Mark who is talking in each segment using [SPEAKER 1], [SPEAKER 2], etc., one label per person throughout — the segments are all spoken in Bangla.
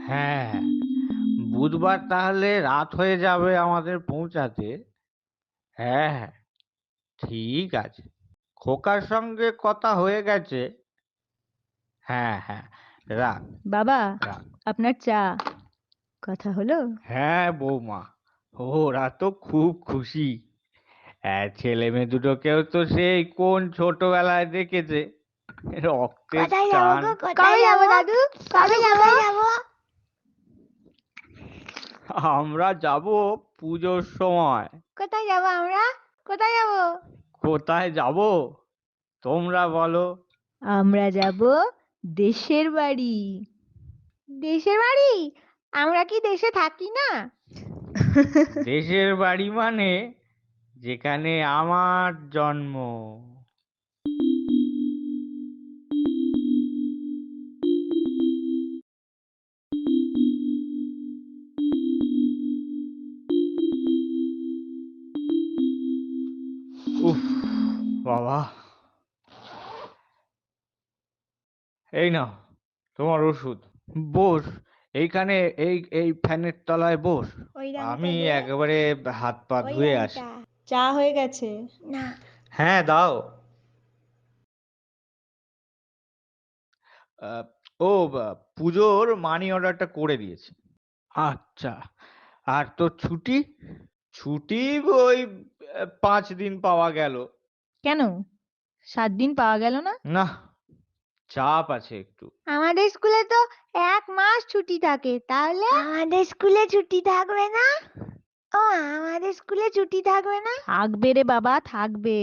[SPEAKER 1] হ্যাঁ, বুধবার তাহলে রাত হয়ে যাবে আমাদের পৌঁছাতে। হ্যাঁ হ্যাঁ, ঠিক আছে। খোকার সঙ্গে কথা হয়ে গেছে। হ্যাঁ হ্যাঁ, রাখ
[SPEAKER 2] বাবা,
[SPEAKER 1] রাখ।
[SPEAKER 2] আপনার চা। কথা হলো?
[SPEAKER 1] হ্যাঁ বৌমা, ওরা তো খুব খুশি। হ্যাঁ, ছেলে মেয়ে দুটোকেও তো সেই কোন ছোটবেলায় দেখেছে, রক্তের
[SPEAKER 3] কোথায় যাবো
[SPEAKER 1] টান।
[SPEAKER 3] গো,
[SPEAKER 2] কবে
[SPEAKER 3] কোথায়
[SPEAKER 2] যাবো
[SPEAKER 3] যাবো
[SPEAKER 2] দাদু?
[SPEAKER 3] দাদু,
[SPEAKER 2] কবে যাবো?
[SPEAKER 3] কোথায় যাবো?
[SPEAKER 1] আমরা যাব পুজোর সময়।
[SPEAKER 3] কোথায় যাবো আমরা? কোথায় যাবো?
[SPEAKER 1] কোথায় যাব তোমরা বলো?
[SPEAKER 2] আমরা যাব দেশের বাড়ি।
[SPEAKER 3] দেশের বাড়ি? আমরা কি দেশে থাকি না?
[SPEAKER 1] দেশের বাড়ি মানে যেখানে আমার জন্ম। উফ বাবা, এই নাও তোমার ওষুধ। বস এইখানে, এই এই ফ্যানের তলায় বস।
[SPEAKER 3] ওই রংটা
[SPEAKER 1] আমি
[SPEAKER 3] দে,
[SPEAKER 1] একেবারে হাত পা
[SPEAKER 3] ওই
[SPEAKER 1] ধুয়ে আসি।
[SPEAKER 3] রংটা।
[SPEAKER 2] চা হয়ে গেছে?
[SPEAKER 3] না,
[SPEAKER 1] হ্যাঁ দাও। আহ, ও পুজোর মানি অর্ডারটা করে দিয়েছি। আচ্ছা, আর তোর ছুটি? ছুটি ওই 5 দিন পাওয়া গেল।
[SPEAKER 2] কেন, 7 দিন পাওয়া গেল না?
[SPEAKER 1] না, চাপ আছে একটু।
[SPEAKER 3] আমাদের স্কুলে তো 1 মাস ছুটি থাকে, তাহলে আমাদের স্কুলে ছুটি থাকবে না? ও, আমাদের স্কুলে ছুটি থাকবে না?
[SPEAKER 2] থাকবে রে বাবা, থাকবে।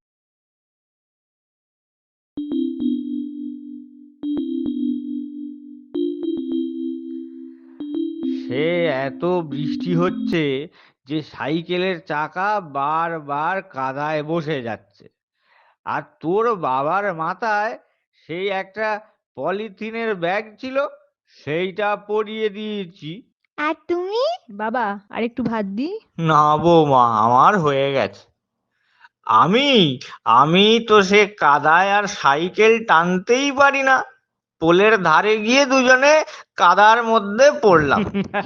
[SPEAKER 1] সে এত বৃষ্টি হচ্ছে যে সাইকেলের চাকা বারবার কাদায় বসে যাচ্ছে। আর তোর বাবার মাথায় সেই একটা পলিথিনের ব্যাগ ছিল, সেইটা পরিয়ে দিয়েছি।
[SPEAKER 3] আর তুমি?
[SPEAKER 2] বাবা, আর একটু ভাত দি।
[SPEAKER 1] না বৌমা, আমার হয়ে গেছে। আমি আমি তো সে কাদায় আর সাইকেল টানতেই পারি না। পোলের ধারে গিয়ে দুজনে কাদার মধ্যে পড়লাম।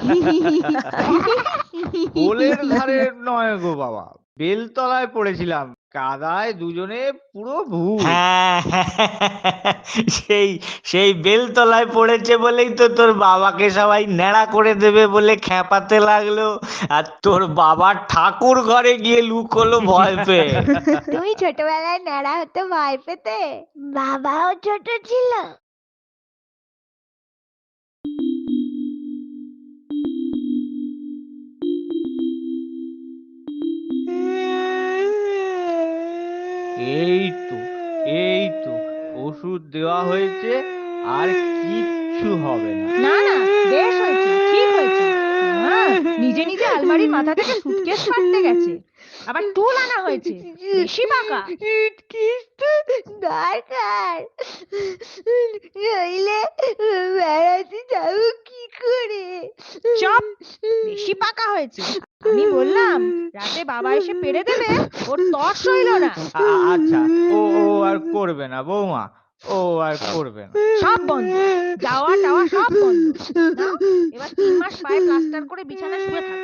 [SPEAKER 1] পোলের ধারে নয় গো বাবা, বেলতলায় পড়েছিলাম। কাদায় দুজনে পুরো ভূত।
[SPEAKER 4] হ্যাঁ, সেই সেই বেলতলায় পড়েছে বলেই তো তোর বাবাকে সবাই ন্যাড়া করে দেবে বলে খেপাতে লাগলো, আর তোর বাবার ঠাকুর ঘরে গিয়ে লুকোলো ভয় পেয়ে।
[SPEAKER 3] তুমি ছোটবেলায় ন্যাড়া হতে ভয় পেতে? বাবাও ছোট ছিল।
[SPEAKER 1] এই তো, এই তো ওষুধ দেওয়া হয়েছে, আর কিচ্ছু হবে না।
[SPEAKER 2] না না, বেশ হয়েছে, ঠিক হয়েছে। নিজে নিজে আলমারির মাথা থেকে সুটকেস পাড়তে গেছে, আবার টুল আনা হয়েছে, বেশি পাকা।
[SPEAKER 3] সুটকেস তো দরকার, নইলে বেড়াতে যাবো কি করে?
[SPEAKER 2] চপ, বেশি পাকা হয়েছে। আমি বললাম রাতে বাবা এসে পেড়ে দেবে, ওর তর সইল না।
[SPEAKER 1] আচ্ছা, ও ও আর করবে না বৌমা, ও আর করবে না।
[SPEAKER 2] সব বন্ধ, যাওয়া টাওয়া সব বন্ধ। নাও, এবার 3 মাস পায়ে প্লাস্টার করে বিছানায় শুয়ে থাক।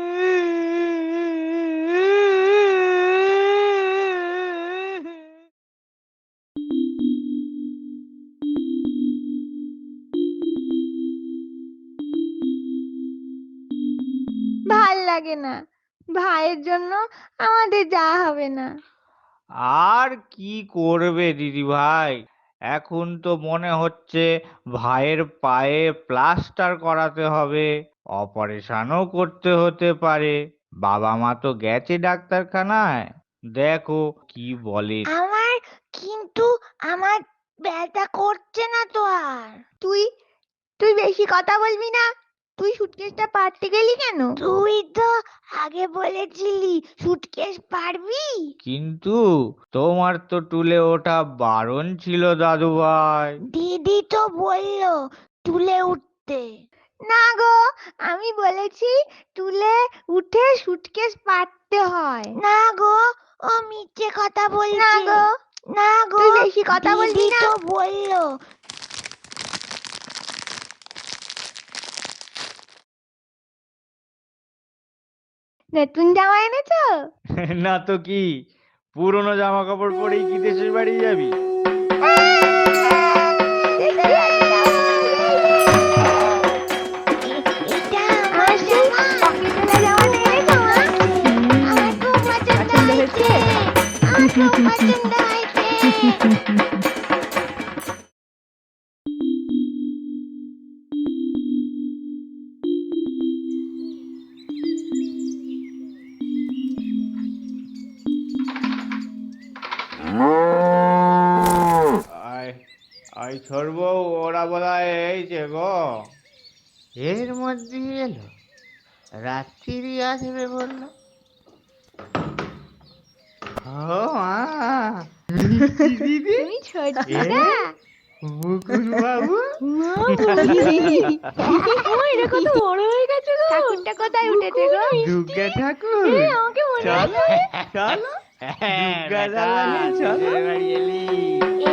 [SPEAKER 3] ভাল লাগে না, ভাইয়ের জন্য আমাদের যাওয়া হবে না।
[SPEAKER 1] আর কি করবে দিদি ভাই, এখন তো মনে হচ্ছে ভাইয়ের পায়ে প্লাস্টার করাতে হবে, অপারেশনও করতে হতে পারে। বাবা মা তো গেছে ডাক্তারখানায়, দেখো কি বলে।
[SPEAKER 3] আমার কিন্তু আমার ব্যথা করছে না তো আর। তুই তুই বেশি কথা বলবি না। তুই সুটকেসটা পারতে গেলি কেন? তুই তো আগে বলেছিলি সুটকেস পারবি।
[SPEAKER 1] কিন্তু তোমার তো টুলে ওঠা বারণ ছিল দাদু ভাই।
[SPEAKER 3] দিদি তো বললো তুলে উঠতে। না গো, আমি বলেছি তুলে উঠে সুটকেস পারতে হয়। না গো, ও মিথ্যে কথা বলছে। না গো, না গো, তুই বেশি কথা বলবি না। দিদি তো বললো। নতুন জামা এনেছো?
[SPEAKER 1] না তো কি, পুরনো জামা কাপড় পরেই কি দেশের বাড়ি যাবি?
[SPEAKER 3] এটা আমার জামা। পকেটওয়ালা জামাটা এনেছো মা? আমার খুব পছন্দ
[SPEAKER 2] পছন্দ হয়েছে?
[SPEAKER 3] হয়েছে। আমার খুব পছন্দ হয়েছে।
[SPEAKER 1] আয় আয় সর্ব, ওরা বোধহয় এইছে গো। এর মধ্যে এলো, রাত্রি আসবে বললো। ও মা, দিদি,
[SPEAKER 3] তুমি ছোটদা?
[SPEAKER 1] মুকুল বাবু।
[SPEAKER 2] মা বলি মা এটা কত বড় হয়ে গেছে গো।
[SPEAKER 3] ঠাকুরটা কোথায় উঠেছে গো?
[SPEAKER 1] দুর্গা ঠাকুর,
[SPEAKER 2] এই, আমাকে মনে
[SPEAKER 1] চলো
[SPEAKER 2] আছে।
[SPEAKER 1] চলো,
[SPEAKER 4] হ্যাঁ,
[SPEAKER 1] দুর্গা
[SPEAKER 4] বেটা,
[SPEAKER 1] দালানে চলো।
[SPEAKER 4] দেশের বাড়ি এলি।